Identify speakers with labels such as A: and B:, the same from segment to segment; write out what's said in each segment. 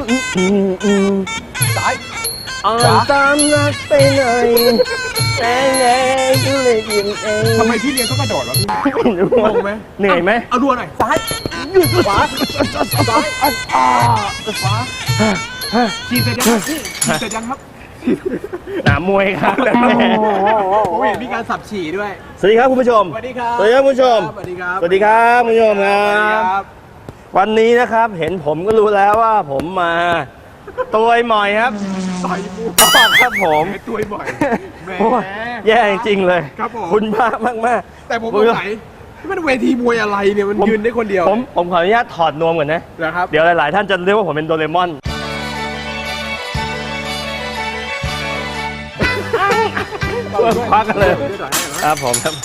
A: ซ้าย
B: ตามนักไปหน่อยแต่ไงก็เลยยินเอง
A: ทำไมที่เรียนต้องกระโดดวะพี่งงไหม
B: เหนื่อยไหม
A: เอารัวหน่อยซ้ายยืดขวาซ้ายขวาขี่เสร็จยังขี่เสร็จยังครับ
B: หนามวยครับ
A: ผมเห็นมีการสับฉี่ด้วย
B: สวัสดีครับคุณผู้ชม
A: สวัสดีครับ
B: สวัสดีครับคุณผู้ชม
A: สวัสดีครับ
B: สวัสดีครับคุณผู้ชมครั
A: สวัสดีครับ บ
B: วันนี้นะครับเห็นผมก็รู้แล้วว่าผมมาตัวหมอยครับ
A: ต่อยกู
B: ครับผม
A: ตัวบ่อยแหม
B: โอ้ยแย่จริงๆเลย
A: ครับผม
B: คุณมากมาก
A: แต่ผมสงสัยมันเวทีมวยอะไรเนี่ยมันยืนได้คนเดียว
B: ผมขออนุญาตถอดนวมก่อนนะ
A: นะครับ
B: เดี๋ยวหลายๆท่านจะเรียกว่าผมเป็นโดเรมอนควักกันเลยครับผมครับ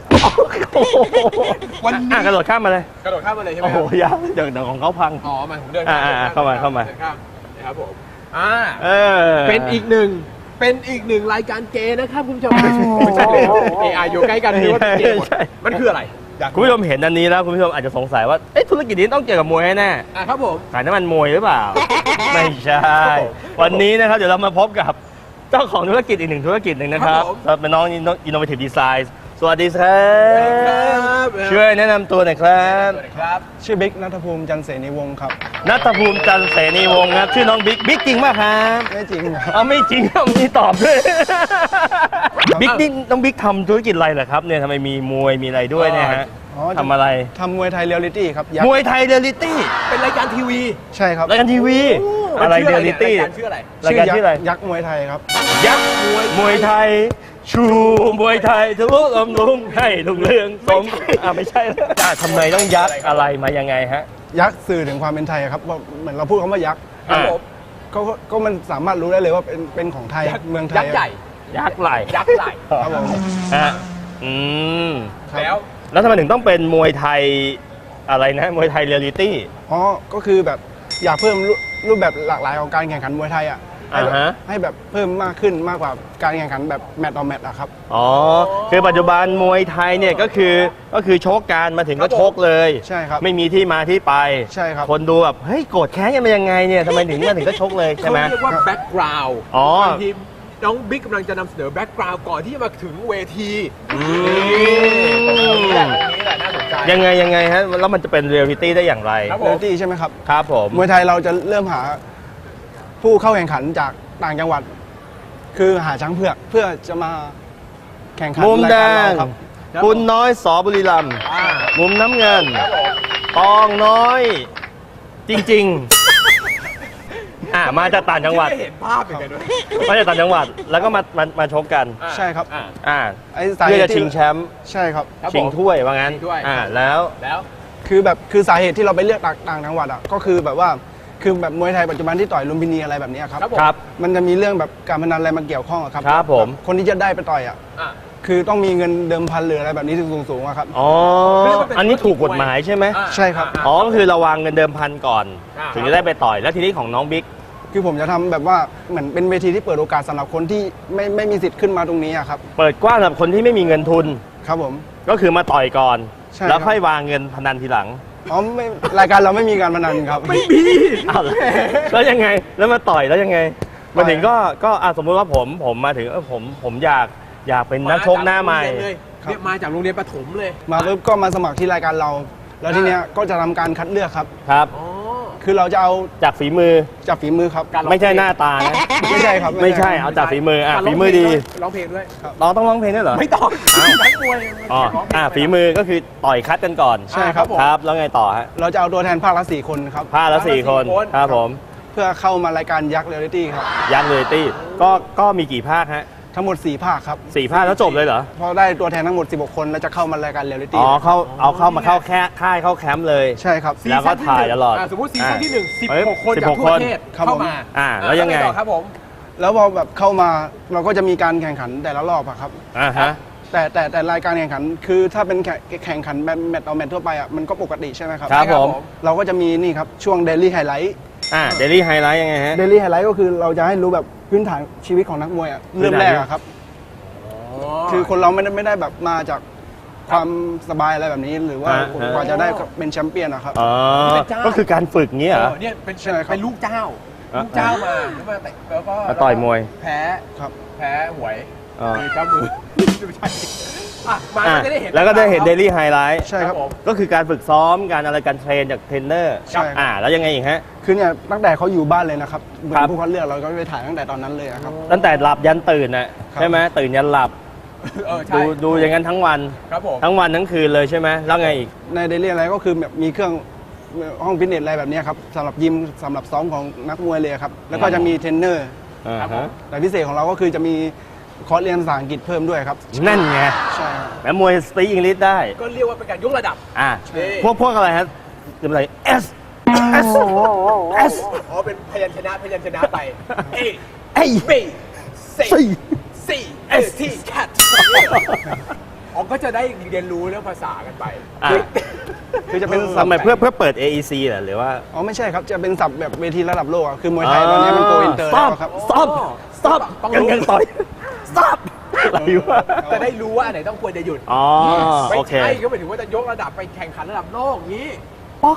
A: วันนี้
B: กระโดดข้ามมาเลย
A: กระโดดข้ามมาเลยใช่ไหม
B: โอ้โหยาวเดี๋ยวของเขาพัง
A: อ๋อมาผมเดิน
B: เข้ามา
A: เดินข้ามนะครับผมเป็นอีกหนึ่งรายการเกย์นะครับคุณผู้ชมไม่ใช่เลยอยู่ใกล้กันนี่ว่าเป็นเกย์หมดมันคืออะไร
B: คุณผู้ชมเห็นอันนี้แล้วคุณผู้ชมอาจจะสงสัยว่าเอ๊ะธุรกิจนี้ต้องเกี่ยวกับมวยแน่
A: ครับผม
B: ขายน้ำมันมวยหรือเปล่า ไม่ใช่ วันนี้นะครับเดี๋ยวเรามาพบกับเจ้าของธุรกิจอีกหนึ่งธุรกิจหนึ่งนะครับเป็นน้อง Innovative Design สวัสดีครับช่วยแนะนำตัวหน่อยครับ
A: ครับ
C: ชื่อบิ๊กณัฐภูมิจันทร์เสนีวงศ์ครับ
B: ณัฐภูมิจันทร์เสนีวงศ์ครับชื่อน้องบิ๊กจริงป่ะครับ
C: ไม่จริงครับ
B: เอาไม่จริงครับมีตอบด้วยบิ๊กนี่น้องบิ๊กทำธุรกิจอะไรเหรอครับเนี่ยทำไมมีมวยมีอะไรด้วยเนี่ยฮะ
C: อ๋อ
B: ทำอะไร
C: ทำมวยไทยเรียลลิตี้ครับยัก
B: ม
C: ษ์
B: วยไทยเรียลลิตี้
A: เป็นรายการทีวี
C: ใช่ครับ
B: รายการทีวีอะไรเรียลลิตี้
A: รายการชื่ออะไร
B: รายการชื่ออะไร
C: ยักษ์มวยไทยครับ
B: ยักษ์มวยไทย ชูมวยไทยทะลุลมลุงให้ลุงเรืองสมไม่ใช่แล้วทำไมต้องยักษ์อะไรมายังไงฮะ
C: ยักษ์สื่อถึงความเป็นไทยครับว่าเหมือนเราพูดคำว่ายักษ์
A: ครับผม
C: ก็มันสามารถรู้ได้เลยว่าเป็นของไทยเมืองไท
A: ยั
C: ย
A: กษ์ใหญ่
B: ยักษ์ไหล
A: ยักษ์ใหญ่
C: ครับผม
B: ฮะอืม
A: แล้ว
B: แล้วทำไมถึงต้องเป็นมวยไทยอะไรนะมวยไทยเรียลลิตี้
C: อ๋อก็คือแบบอยากเพิ่มรูปแบบหลากหลายของการแข่งขันมวยไทยอ่ะให้แบบเพิ่มมากขึ้นมากกว่าการแข่งขันแบบแมตต์ต่อแมตต์อะครับ
B: อ๋อคือปัจจุบันมวยไทยเนี่ยก็คือชกการมาถึงก็ชกเลย
C: ใช่ครับ
B: ไม่มีที่มาที่ไป
C: ใช่ครับ
B: คนดูแบบเฮ้ยโกรธแค้นกันมายังไงเนี่ยทำไมถึงมาถึงก็ชกเลยใช่ไหม
A: เขาเรียกว่าแบ็กกราวด์
B: อ๋อ
A: บางทีน้องบิ๊กกำลังจะนำเสนอแบ็กกราวด์ก่อนที่จะมาถึงเวที นี่แหละน่าสนใจ
B: ยังไงฮะแล้วมันจะเป็นเรียลลิตี้ได้อย่างไร
A: ครับ
C: เรียลลิตี้ใช่ไหมครับ
B: ครับผม
C: มวยไทยเราจะเริ่มหาผู้เข้าแข่งขันจากต่างจังหวัด คือหาช้างเผือกเพื่อจะมาแข่งขัน
B: มุม
C: ราย
B: แด
C: การ
B: ง
C: เราครับ
B: คุณน้อยสอบุรีรัมย์
A: อ่า
B: มุมน้ำเงิน
A: ครับผม
B: ตองน้อย จริงๆมาจากต่างจังหวัด
A: ที่ไม่เห็นภาพอย่างเงี้ยด้วย
B: มาจากต่างจังหวัดแล้วก็มาชกกัน
C: ใช่ครับ ไอ้สาเห
B: เพื่อ
C: ตุ
B: จะชิ
C: ที่
B: งแชมป์
C: ใช่ครับ
A: ครับผม
B: ชิงถ้วยว่างั้น
A: ชิงถ้วย
B: แล้ว
A: แล้ว
C: คือสาเหตุที่เราไปเลือกต่างจังหวัดอ่ะก็คือแบบว่าคือแบบมวยไทยปัจจุบันที่ต่อยลุมพินีอะไรแบบนี้ครับ
A: ครับผม
B: ครับ
C: มันจะมีเรื่องแบบการพนันอะไรมาเกี่ยวข้องอะครับ
B: ครับผม
C: คนที่จะได้ไปต่อยอ่ะ
A: อ่ะ
C: คือต้องมีเงินเดิมพันหรืออะไรแบบนี้สูงๆอะครับ
B: อ๋ออันนี้ถูกกฎหมายใช่ไหม
C: ใช่ครับ
B: อ๋อก็คือเระวางเงินเดิมพันก่อน
A: อ่า
B: ถึงจะได้ไปต่อยแล้วทีนี้ของน้องบิ๊ก
C: คือผมจะทำแบบว่าเหมือนเป็นเวทีที่เปิดโอกาสสำหรับคนที่ไม่มีสิทธิ์ขึ้นมาตรงนี้อะครับ
B: เปิดกว้างสำหรับคนที่ไม่มีเงินทุน
C: ครับผม
B: ก็คือมาต่อยก่อน
C: ใช่
B: แล้วค่อยวางเงินพนันทีหลัง
C: อ๋อไม่รายการเราไม่มีการพนันครับ
A: ไม่มี
B: อ้าวแล้วยังไงแล้วมาต่อยแล้วยังไงมาถึงก็สมมุติว่าผมมาถึงผมอยากเป็นนักชกหน้าใหม่
A: เนี่ยมาจากโรงเรียนประถมเลย
C: มาปุ๊บก็มาสมัครที่รายการเรา แล้วทีเนี้ยก็จะทำการคัดเลือกครับ
B: ครับ
A: อ๋อ
C: คือเราจะเอา
B: จากฝีมือ
C: จากฝีมือครับ
A: การ
B: ไม่ใช่หน้าตานะ
C: ไม่ใช่ครับ
B: ไม่ใช่เอาจากฝีมือฝีมือดี
A: ร้องเพลงด้วย
B: เราต้องร้องเพลงด้วยเหรอ
A: ไม่ต้องนักมวย
B: อ๋อฝีมือก็คือต่อยคัดกันก่อน
C: ใช่ครับ
B: ครับแล้วไงต่อฮะ
C: เราจะเอาตัวแทนภาคละ4 คนครับ
B: พลาดละ4 คนครับผม
C: เพื่อเข้ามารายการยักษ์เรียลลิตี้ครับ
B: ยักษ์เรียลลิตี้ก็มีกี่ภาคฮะ
C: ทั้งหมด4 ภาคครับ
B: 4 ภาคแล้วจบเลยเหรอ
C: พอได้ตัวแทนทั้งหมด16 คนแล้วจะเข้ามารายการเรียลลิตี้
B: อ๋อเข้ามาเข้าแค่ค่ายเข้าแคมป์เลย
C: ใช่ครับ
B: แล้วก็ถ่ายตลอด
A: สมมติซีซั่นที่1 16 คน
B: 16
A: จากทั่วประเทศ
C: ครับ
A: เข้า
C: ผม
A: มา
B: แล้วยังไง
A: ต่อครับผม
C: แล้วพอแบบเข้ามาเราก็จะมีการแข่งขันแต่ละรอบอะครับ
B: ฮะ
C: แต่รายการแข่งขันคือถ้าเป็นแข่งขันแบบแมตต์ต่อแมตต์ทั่วไปอ่ะมันก็ปกติใช่ไหมครับ
B: ครับผม
C: เราก็จะมีนี่ครับช่วงเดลี่ไฮไลท์
B: เดลี่ไฮไลท์ยังไงฮะ
C: เดลี่ไฮไลท์ก็คือเราจะให้รู้แบบพื้นฐานชีวิตของนักมวยอ่ะเริ่มแรกอะครับ คือคนเราไม่ได้แบบมาจากความสบายอะไรแบบนี้ หรือว่ากว่าจะได้เป็นแชมเปี้ยนนะครับ
B: อ๋อก็คือการฝึกเงี้ยเหรอ
A: เนี่ยเป็น
C: ใช่ครับ
A: เป็นลูกเจ้าลูกเจ้ามาแล้วมาแต่แล้วก็
B: มาต่อยมวย
A: แพ้
C: ครับ
A: แพ้หวย
B: อ่า
A: มีเจ้ามือไม่ใช่อ่ะมา
B: อ่ะ
A: ก็จะได้เห็น
B: แล้วก็ได้เห็นเดลี่ไฮไลท์
C: ใช่ครับ
A: ผม
B: ก็คือการฝึกซ้อมการอะไรการเทรนจากเทรนเนอร์
C: ใช่ครับ
B: แล้วยังไงอีกฮะ
C: คือเนี่ยตั้งแต่เขาอยู่บ้านเลยนะครับเหมือ
B: ครับ
C: นผู้คัดเลือกเราก็ไปถ่ายตั้งแต่ตอนนั้นเลยอะครับ
B: ตั้งแต่หลับยันตื่นน่ะ
C: ครับ
B: ใช่ไหมตื่นยันหลับ
A: ใช่
B: ดูอย่างนั้นทั้งวัน
A: ครับผม
B: ทั้งวันทั้งคืนเลยใช่ไหมแล้วไงอีก
C: ในเดลี่อะไรก็คือแบบมีเครื่องห้องฟิตเนสอะไรแบบเนี้ยครับสำหรับยิมสำหรับซ้อมของนักมวยเลยครับแล้วก็จะมีเทรนเนอร์
A: ครับผม
C: แต่พิเศษของเราก็คือจะมีคอร์สเรียนภาษาอังกฤษเพิ่มด้วยครับ
B: นั่นไง
C: ใช่ครับ
B: แม้มวยสตีอังกฤษได้
A: ก็เรียกว่าเป็นการยกระดับ นี่
B: พวกอะไรฮะจะเป็นอะไร S S S
A: อ๋อเป็นพยัญชนะไป A
B: เอ้ย
A: B C
B: C
A: C S T cat อ๋อก็จะได้เรียนรู้เรื่องภาษากันไป
B: อ่ะ
C: คือจะเป็น
B: ทำไมเพื่อเปิด AEC เหรอหรือว่า
C: อ๋อไม่ใช่ครับจะเป็นศัพท์แบบเวทีระดับโลกอะคือมวยไทยตอนนี้มันโกอินเตอร์
B: สต็อ
C: แล้
B: ป
C: วครับ
B: สต็อปสต็อป
A: ต้อง
B: ยัง
A: รู้
B: ยังต่อยสต็อปอะไรวะ
A: จะได้รู้ว่าอันไหนต้องควรจะหยุด
B: อ๋อ
A: ไม่
B: โอเค
A: ใช่ก็หมายถึงว่าจะยกระดับไปแข่งขันระดับโลกอย่างนี้
B: ป๊อก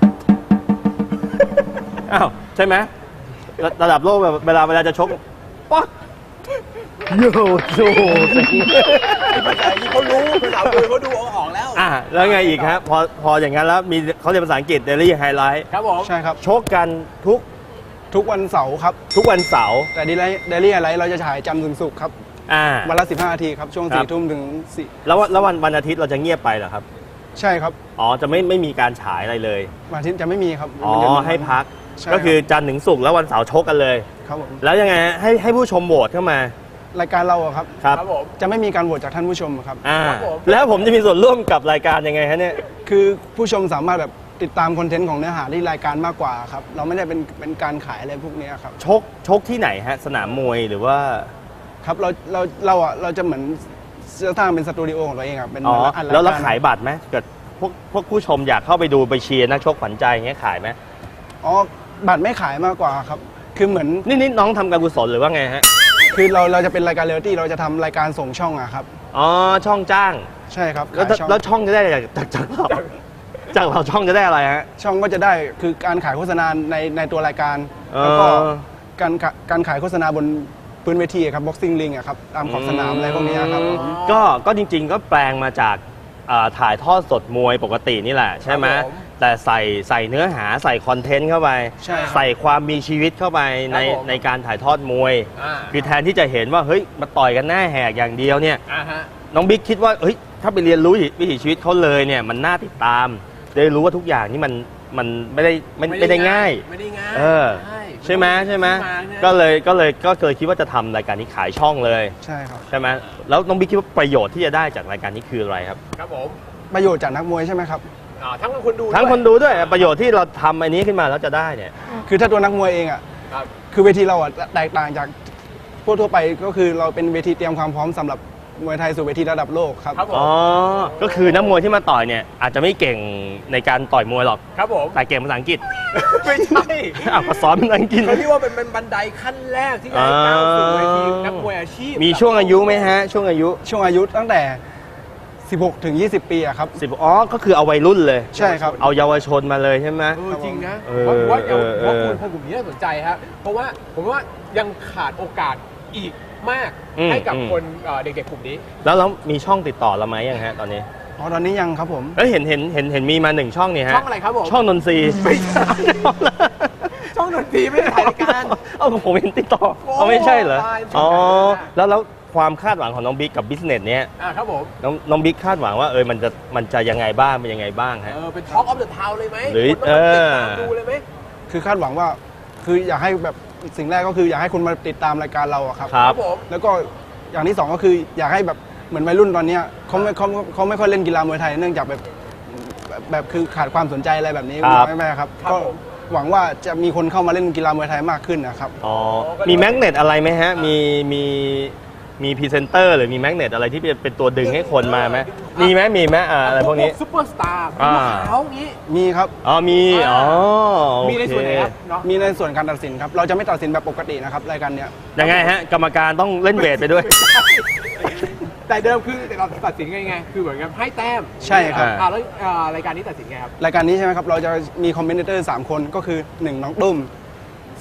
B: อ้าวใช่ไหมระดับโลกแบบเวลาจะชกป๊อกโยโย่เซ็ง
A: ภาษาอังกฤษเขารู้ภาษามือเขาดูเอาออกแล้ว
B: แล้วไงอีกครับพออย่างนั้นแล้วมีเขาเรียนภาษาอังกฤษเดลี่ไฮไลท์
A: ครับผม
C: ใช่ครับ
B: ชกกันทุก
C: วันเสาร์ครับ
B: วันเสาร์
C: แต่เดลี่อะไรเราจะฉายจันทร์ถึงศุกร์ครับ วันละ15 นาทีครับ ช่วง
B: ครับ
C: 4 ทุ่มถึง
B: แล้ววันอาทิตย์เราจะเงียบไปเหรอครับ
C: 4ใช่ครับ
B: อ๋อจะไม่มีการฉายอะไรเลย
C: วันอาทิตย์จะไม่มีครับ
B: อ๋อ
C: วันยุด
B: ให้พัก
C: ใช่
B: ก็คือ
C: รับ
B: จันทร์ถึงศุกร์แล้ววันเสาร์ชกกันเลย
C: ครับผม
B: แล้วยังไงฮะให้ผู้ชมโหวตเข้ามาร
C: ายการเราอะครับ
B: ครับ
A: ครับผม
C: จะไม่มีการโหวตจากท่านผู้ชมครับ
A: ครับผม
B: แล้วผมจะมีส่วนร่วมกับรายการยังไงฮะเนี่ย
C: คือผู้ชมสามารถแบบติดตามคอนเทนต์ของเนื้อหาที่รายการมากกว่าครับ เราไม่ได้เป็นการขายอะไรพวกนี้ครับ
B: ชกที่ไหนฮะสนามมวยหรือว่า
C: ครับเราจะเหมือนจะสร้างเป็นสตูดิโอของตัวเองครับเป็น
B: อ๋อ
C: อัน
B: แล้วเรา
C: ร
B: ขายบัตรไหมเกิดพวกผู้ชมอยากเข้าไปดูไปเชียร์นักชกขวัญใจอย่างเงี้ยขายไหม
C: อ๋อบัตรไม่ขายมากกว่าครับ คือเหมือน
B: นี่น้องทำการกุศลหรือว่าไงฮะ
C: คือเราจะเป็นรายการเรียลลิตี้เราจะทำรายการส่งช่องอะครับ
B: อ๋อช่องจ้าง
C: ใช่ครับ
B: แล้ว
C: ขายช่อง
B: แล้วช่องจะได้จากเราช่องจะได้อะไรฮะ
C: ช่องก็จะได้คือการขายโฆษณาในตัวรายการ แล้วก็
B: อ๋อ
C: การขายโฆษณาบนพื้นเวทีครับ boxing ring อะครับตามขอบสนามอะไรพวกนี้ครับ
B: ก็จริงๆก็แปลงมาจากถ่ายทอดสดมวยปกตินี่แหละใช่ไหม
A: ครับผม
B: แต่ใส่เนื้อหาใส่คอนเทนต์เข้าไป
C: ใช่ครับ
B: ใส่ความมีชีวิตเข้าไปใน
A: ครับผม
B: ในการถ่ายทอดมวย
A: อ่า
B: คือแทนที่จะเห็นว่าเฮ้ยมาต่อยกันหน้าแหกอย่างเดียวเนี่ย
A: ฮะ
B: น้องบิ๊กคิดว่าเฮ้ยถ้าไปเรียนรู้วิถีชีวิตเขาเลยเนี่ยมันน่าติดตามได้รู้ว่าทุกอย่างนี่มันไม่ได้ง่าย
A: ไม่ได้ง่าย
B: ใช่ไหมก็เลยคิดว่าจะทำรายการนี้ขายช่องเลย
C: ใช่ครับ
B: ใช่ไหมแล้วน้องบิ๊กคิดว่าประโยชน์ที่จะได้จากรายการนี้คืออะไรครับ
A: ครับผม
C: ประโยชน์จากนักมวยใช่ไหมครับ
A: ทั้งคนดู
B: ทั้ง
A: ด้วย
B: คนดูด้วยประโยชน์ที่เราทำอันนี้ขึ้นมาแล้วจะได้เนี่ย
C: คือถ้าตัวนักมวยเองอะ
A: ครับ
C: คือเวทีเราอะแตกต่างจากทั่วไปก็คือเราเป็นเวทีเตรียมความพร้อมสำหรับมวยไทยสู่เวทีระดับโลกครับ
A: ครับผม
B: อ๋อก็คือนักมวยที่มาต่อยเนี่ยอาจจะไม่เก่งในการต่อยมวยหรอก
A: ครับผม
B: แต่เก่งภาษาอังกฤษ
A: ไม่ใช่
B: ก็สอนภาษาอังกฤษ
A: เขาเรียกว่าเป็นบันไดขั้นแรกที่จะให้ก้าวสู่เวทีนักมวยอาชีพ
B: มีช่วงอายุไหมฮะช่วงอายุ
C: ช่วงอายุตั้งแต่ 16 ถึง 20 ปีอะครับ
B: ก็คือเอาวัยรุ่นเลย
C: ใช่ครับ
B: เอาเยาวชนมาเลยใช่ไหม
A: จริงนะ
B: เออ
A: เพราะว่า
B: เออเออ
A: คนกลุ่มนี้น่าสนใจครับเพราะว่าผมว่ายังขาดโอกาสอีกมาก
B: อืม
A: ให้กับ
B: อืม
A: คนเด็กๆกลุ่มนี้
B: แล้วมีช่องติดต่อเราไหมยังฮะตอนนี้
C: อ๋อตอนนี้ยังครับผม
B: แล้วเห็นมีมา1ช่องนี่ฮะ
A: ช่องอะไรครับผม
B: ช่องนนทรีย์
A: ไม่ใช่ ช่องดนตรีไม่ได้ถ่ายรายการ
B: เอาผมเห็นติดต่อ
A: โอ้
B: เอาไม่ใช่เหรอ
A: ตาย
B: อ๋อ
A: ตาย
B: แล้วความคาดหวังของน้องบิ๊กกับบิสเนสเนี้ย
A: ครับผม
B: น้องบิ๊กคาดหวังว่ามันจะยังไงบ้างเป็นยังไงบ้างฮะ
A: เป็น Talk of the Town เลยไหม
B: หรือ
A: คนต้องมาติดตามดูเลยไหม
C: คือคาดหวังว่าคืออยากให้แบบสิ่งแรกก็คืออยากให้คนมาติดตามรายการเราอะครับ
B: ครับ
A: ผม
C: แล้วก็อย่างที่สองก็คืออยากให้แบบเหมือนวัยรุ่นตอนเนี้ยเขาไม่ค่อยเล่นกีฬามวยไทยเนื่องจากแบบคือขาดความสนใจอะไรแบบนี้
B: ครับ
C: ไม่ครับ
A: ครับ
C: ก็
A: ผม
C: หวังว่าจะมีคนเข้ามาเล่นกีฬามวยไทยมากขึ้นนะครับ
B: อ๋อมีแมกเนตอะไรไหมฮะมีพรีเซนเตอร์หรือมีแมกเนตอะไรที่เป็นตัวดึงให้คนมาไหมมีไหมอะไรพวกนี้
A: ซุปเปอร์สตาร์
B: อ่า
A: เขางี้
C: มีครับ
B: อ๋อมีอ๋อโอเค
A: มีในส่วนไหนครับเนาะ
C: มีในส่วนการตัดสินครับเราจะไม่ตัดสินแบบปกตินะครับรายการเนี้ย
B: ยังไงฮะกรรมการต้องเล่นเวทไปด้วย
A: แต่เดิมคือเราตัดสินไงคือเหมือนกับให้แต้ม
C: ใช่ครับ
A: แล้วรายการนี้ตัดสินไงครับ
C: รายการนี้ใช่ไหมครับเราจะมีคอมเมนเตอร์3คนก็คือ1น้องตุ้ม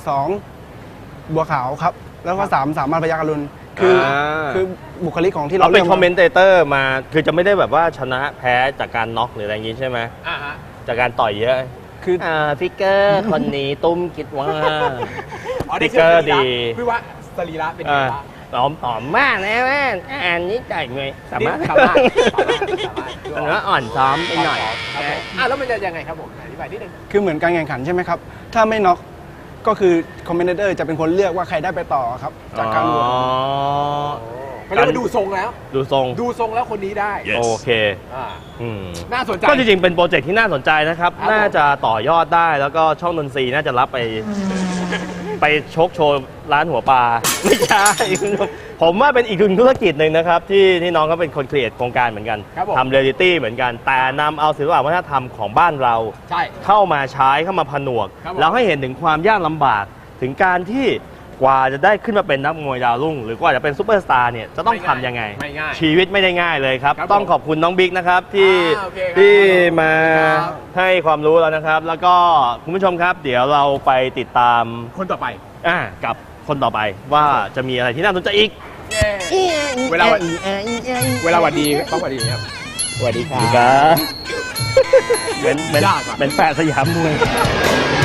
C: 2 บัวขาวครับ แล้วก็3 สามารถพยัคฆ์อรุณคือบุคลิกของที่เรา
B: เราเป็นคอมเมนเตเตอร์มาคือจะไม่ได้แบบว่าชนะแพ้จากการน็อกหรืออะไรอย่างงี้ใช่ไหม
A: ฮะ
B: จากการต่อยเยอะ
C: คือ
B: ฟิกเกอร์คนนี้ตุ้มคิดว่า
A: อ๋อ
B: สติ๊กเกอร์ดี
A: พี่ว่าสรีระเป็นไงบ้าง
B: หอมมากนะแม่อ่านนี้ใจไงสามารถ
A: สามารถ
B: มันว่าอ่อนซ้อมไปหน่อย
A: ครับผมแล้วมันจะยังไงครับผมอธิบายนิดนึง
C: คือเหมือนการแข่งขันใช่ไหมครับ ถ้าไม่น็อกก็คือคอมเมนเตอร์จะเป็นคนเลือกว่าใครได้ไปต่อครับจากการโหวต
A: เขาเรียกว่าดูทรงแล้ว
B: ดูทรง
A: ดูทรงแล้วคนนี้ได้
B: โอเค
A: อ่า
B: อืม
A: น่าสนใจ
B: ก็จริงๆเป็นโปรเจกต์ที่น่าสนใจนะครับ
A: ครับ
B: น่าจะต่อยอดได้แล้วก็ช่องดนตรีน่าจะรับไป ไปชกโชว์ร้านหัวปลา ไม่ใช่ ผมว่าเป็นอีกหนึ่งธุรกิจหนึ่งนะครับ ที่น้องเขาเป็นคนครีเอทโครงการเหมือนกัน
A: ครับผม
B: ทำเรียลลิตี้เหมือนกัน แต่นำเอาศิลปะวัฒนธรรมของบ้านเรา
A: ใช่
B: เข้ามาใช้เข้ามาผนวก
A: ครับผม
B: แล้วให้เห็นถึงความยากลำบาก ถึงการที่กว่าจะได้ขึ้นมาเป็นนักมวยดาวรุ่ง หรือกว่าจะเป็นซูเปอร์สตาร์เนี่ยจะต้องทำยังไง
A: ไม่ง่าย
B: ชีวิตไม่ได้ง่ายเลยครับ
A: ครับ
B: ต้องขอบคุณน้องบิ๊กนะครับที่
A: โอเคครับ
B: ที่มา
A: ครับ
B: ให้ความรู้แล้วนะครับ แล้วก็คุณผู้ชมครับ เดี๋ยวเราไปติดตาม
A: คนต่อไป
B: กับคนต่อไปว่าจะมีอะไรที่น่าสนใจอีก
A: เวลาหวัดดีต้องหวัดดีครับสวัสดีครับ
B: เหมือน
A: ยากอะ
B: เหมือนแปะสยามมวย